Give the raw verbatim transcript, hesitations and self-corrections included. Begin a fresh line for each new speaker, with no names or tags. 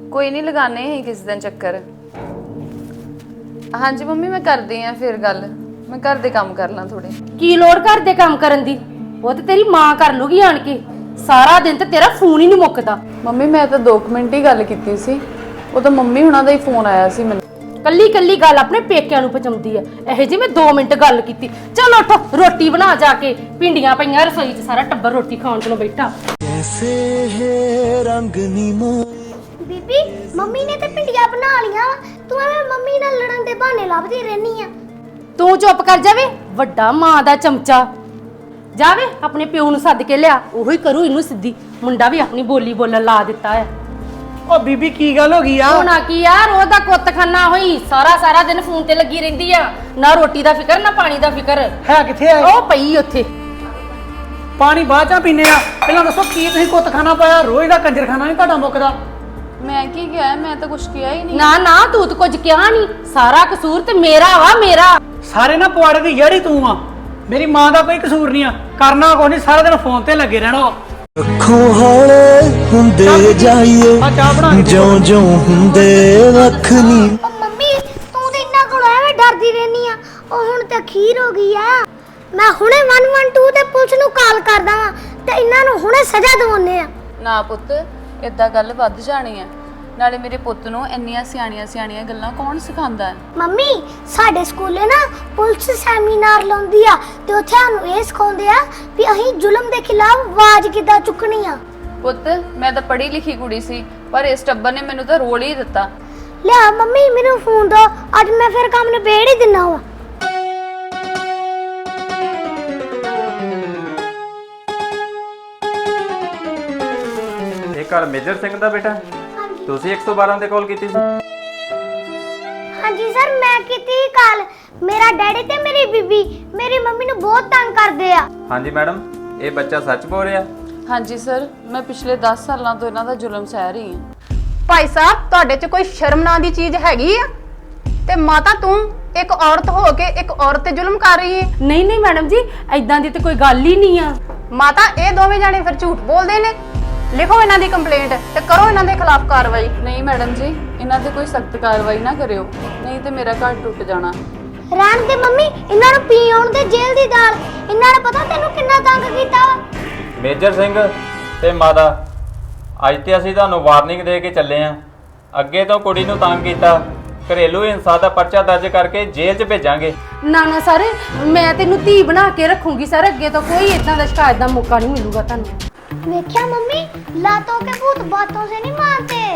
कोई नहीं लगाने ही किस दिन चक्कर। हाँ जी मम्मी मैं कर दी है फिर गल, मैं घर दे काम कर ला थोड़े।
की लोड़ घर दे काम करन दी, वो ते तेरी मां कर लूगी आन के। सारा दिन ते तेरा फोन ही नहीं मुकदा।
मम्मी मैं तो दो मिनट ही गल कीती सी, वो तो मम्मी हुणां दा ही फोन आया सी मैनूं।
कल्ली कल्ली गल अपने पेकिਆਂ ਨੂੰ ਪਚਾਉਂਦੀ ਆ। ਇਹ ਜੀ ਮੈਂ दो मिनट गल कीती। चल उठ रोटी बना जाके, भिंडियां पईयां रसोई च, सारा टब्बर रोटी खाण को बैठा।
कैसे है रंग नीमा
बीबी मम्मी ने ते भिंडियां बना लिया, तू एवें मम्मी नाल लड़न दे बहाने लभदी रहनी आ।
तू चुप कर जावे, ਵੱਡਾ ਮਾਂ ਦਾ ਚਮਚਾ। जावे अपने प्यो ਨੂੰ सद के लिया, ਉਹੀ करू ਇਹਨੂੰ ਸਿੱਧੀ। ਮੁੰਡਾ ਵੀ ਆਪਣੀ ਬੋਲੀ ਬੋਲਣ ਲਾ ਦਿੱਤਾ ਹੈ।
ओ बीबी की गल हो गई आ?
ਹੋਣਾ ਕੀ ਯਾਰ, ਉਹਦਾ ਕੁੱਤ ਖਾਨਾ ਹੋਈ, ਸਾਰਾ ਸਾਰਾ ਦਿਨ ਫੋਨ ਤੇ ਲੱਗੀ ਰਹਿੰਦੀ ਆ। ਨਾ ਰੋਟੀ ਦਾ ਫਿਕਰ ਨਾ ਪਾਣੀ ਦਾ ਫਿਕਰ।
है किथे है?
ਉਹ ਪਈ ਉੱਥੇ।
पानी बाद च पीने आ, पहला दसो की तुसीं कुत्त खाना पाया? रोज दा कंजर खाना नहीं ਤੁਹਾਡਾ ਮੁੱਕਦਾ।
मैं की किया है, मैं तो कुछ किया ही नहीं।
ਨਾ ਨਾ ਤੂੰ ਤਾਂ ਕੁਝ ਕਿਹਾ ਨਹੀਂ, ਸਾਰਾ ਕਸੂਰ ਤੇ ਮੇਰਾ ਵਾ, ਮੇਰਾ।
ਸਾਰੇ ਨਾ ਪਵਾੜੇ ਦੀ ਯਾਰੀ ਤੂੰ ਆ, ਮੇਰੀ ਮਾਂ ਦਾ ਕੋਈ ਕਸੂਰ ਨਹੀਂ ਆ। ਕਰਨਾ ਕੁਛ ਨਹੀਂ, ਸਾਰਾ ਦਿਨ ਫੋਨ ਤੇ ਲੱਗੇ ਰਹਿਣਾ।
ਅੱਖੋਂ ਹੌਲੇ ਹੁੰਦੇ ਜਾਈਏ
ਆ ਚਾਹ ਬਣਾ ਕੇ
ਜਿਉਂ ਜਿਉਂ ਹੁੰਦੇ ਵੱਖ ਨੀ।
ओ मम्मी तू ते इन्ना कोल एवें डरदी रहनी आ, ओ हुण ते खीर हो गई आ। मैं हुणे वन वन टू ते पुलिस ਨੂੰ ਕਾਲ ਕਰਦਾ ਵਾਂ ਤੇ ਇਹਨਾਂ ਨੂੰ ਹੁਣੇ ਸਜ਼ਾ ਦਿਵਾਉਣੇ ਆ।
ਨਾ ਪੁੱਤ ਇਦਾਂ ਗੱਲ ਵੱਧ ਜਾਣੀ ਹੈ, ਨਾਲੇ ਮੇਰੇ ਪੁੱਤ ਨੂੰ ਇੰਨੀਆਂ ਸਿਆਣੀਆਂ ਸਿਆਣੀਆਂ ਗੱਲਾਂ ਕੌਣ ਸਿਖਾਉਂਦਾ ਹੈ।
ਮੰਮੀ ਸਾਡੇ ਸਕੂਲੇ ਨਾ ਪੁਲਿਸ ਸੈਮੀਨਾਰ ਲਾਉਂਦੀ ਆ ਤੇ ਉੱਥੇ ਸਾਨੂੰ ਇਹ ਸਿਖਾਉਂਦੇ ਆ ਵੀ ਅਸੀਂ ਜ਼ੁਲਮ ਦੇ ਖਿਲਾਫ ਆਵਾਜ਼ ਕਿੱਦਾਂ ਚੁੱਕਣੀ ਆ।
ਪੁੱਤ ਮੈਂ ਤਾਂ ਪੜ੍ਹੀ ਲਿਖੀ ਕੁੜੀ ਸੀ, ਪਰ ਇਸ ਟੱਬਰ ਨੇ ਮੈਨੂੰ ਤਾਂ ਰੋਲ ਹੀ ਦਿੱਤਾ।
ਲਿਆ ਮੰਮੀ ਮੈਨੂੰ ਫੋਨ ਦੋ, ਅੱਜ ਮੈਂ ਫਿਰ ਕੰਮ ਨਿਬੇੜ ਹੀ ਦਿੰਨਾ ਵਾ।
ਇਹ ਘਰ ਮੇਜਰ ਸਿੰਘ ਦਾ ਬੇਟਾ? ਤੁਸੀਂ ਇੱਕ ਸੌ ਬਾਰਾਂ ਤੇ ਕਾਲ ਕੀਤੀ ਸੀ?
ਹਾਂਜੀ ਸਰ ਮੈਂ ਕੀਤੀ ਕਾਲ। ਮੇਰਾ ਡੈਡੀ ਤੇ ਮੇਰੀ ਬੀਬੀ ਮੇਰੀ ਮੰਮੀ ਨੂੰ ਬਹੁਤ ਤੰਗ ਕਰਦੇ ਆ।
ਹਾਂਜੀ ਮੈਡਮ, ਇਹ ਬੱਚਾ ਸੱਚ ਬੋਲ ਰਿਹਾ?
ਹਾਂਜੀ ਸਰ, ਮੈਂ ਪਿਛਲੇ दस ਸਾਲਾਂ ਤੋਂ ਇਹਨਾਂ ਦਾ ਜ਼ੁਲਮ ਸਹਿ ਰਹੀ ਹਾਂ।
ਭਾਈ ਸਾਹਿਬ ਤੁਹਾਡੇ 'ਚ ਕੋਈ ਸ਼ਰਮ ਨਾਂ ਦੀ ਚੀਜ਼ ਹੈਗੀ ਆ? ਤੇ ਮਾਤਾ ਤੂੰ ਇੱਕ ਔਰਤ ਹੋ ਕੇ ਇੱਕ ਔਰਤ ਤੇ ਜ਼ੁਲਮ ਕਰ ਰਹੀ ਹੈ।
ਨਹੀਂ ਨਹੀਂ ਮੈਡਮ ਜੀ, ਐਦਾਂ ਦੀ ਤੇ ਕੋਈ ਗੱਲ ਹੀ ਨਹੀਂ ਆ।
ਮਾਤਾ ਇਹ ਦੋਵੇਂ ਜਾਣੇ ਫਿਰ ਝੂਠ ਬੋਲਦੇ ਨੇ। ਲਿਖੋ ਇਹਨਾਂ ਦੀ ਕੰਪਲੇਂਟ ਤੇ ਕਰੋ ਇਹਨਾਂ ਦੇ ਖਿਲਾਫ ਕਾਰਵਾਈ।
ਨਹੀਂ ਮੈਡਮ ਜੀ, ਇਹਨਾਂ ਤੇ ਕੋਈ ਸਖਤ ਕਾਰਵਾਈ ਨਾ ਕਰਿਓ, ਨਹੀਂ ਤੇ ਮੇਰਾ ਘਰ ਟੁੱਟ ਜਾਣਾ।
ਰਹਿਣ ਦੇ ਮੰਮੀ, ਇਹਨਾਂ ਨੂੰ ਪੀ ਆਉਣ ਦੇ ਜੇਲ੍ਹ ਦੀ ਦਾਲ। ਇਹਨਾਂ ਨੇ ਪਤਾ ਤੈਨੂੰ ਕਿੰਨਾ ਤੰਗ ਕੀਤਾ ਵਾ।
ਮੇਜਰ ਸਿੰਘ ਤੇ ਮਾਤਾ, ਅੱਜ ਤੇ ਅਸੀਂ ਤੁਹਾਨੂੰ ਵਾਰਨਿੰਗ ਦੇ ਕੇ ਚੱਲੇ ਆਂ। ਅੱਗੇ ਤੋਂ ਕੁੜੀ ਨੂੰ ਤੰਗ ਕੀਤਾ, ਘਰੇਲੂ ਹਿੰਸਾ ਦਾ ਪਰਚਾ ਦਰਜ ਕਰਕੇ ਜੇਲ੍ਹ 'ਚ ਭੇਜਾਂਗੇ।
ਨਾ ਨਾ ਸਰ, ਮੈਂ ਤੈਨੂੰ ਧੀ ਬਣਾ ਕੇ ਰੱਖੂੰਗੀ ਸਰ। ਅੱਗੇ ਤੋਂ ਕੋਈ ਇਦਾਂ ਦਾ ਸ਼ਿਕਾਇਤ ਦਾ ਮੌਕਾ ਨਹੀਂ ਮਿਲੂਗਾ ਤੁਹਾਨੂੰ।
देखा मम्मी, लातों के भूत बातों से नहीं मानते।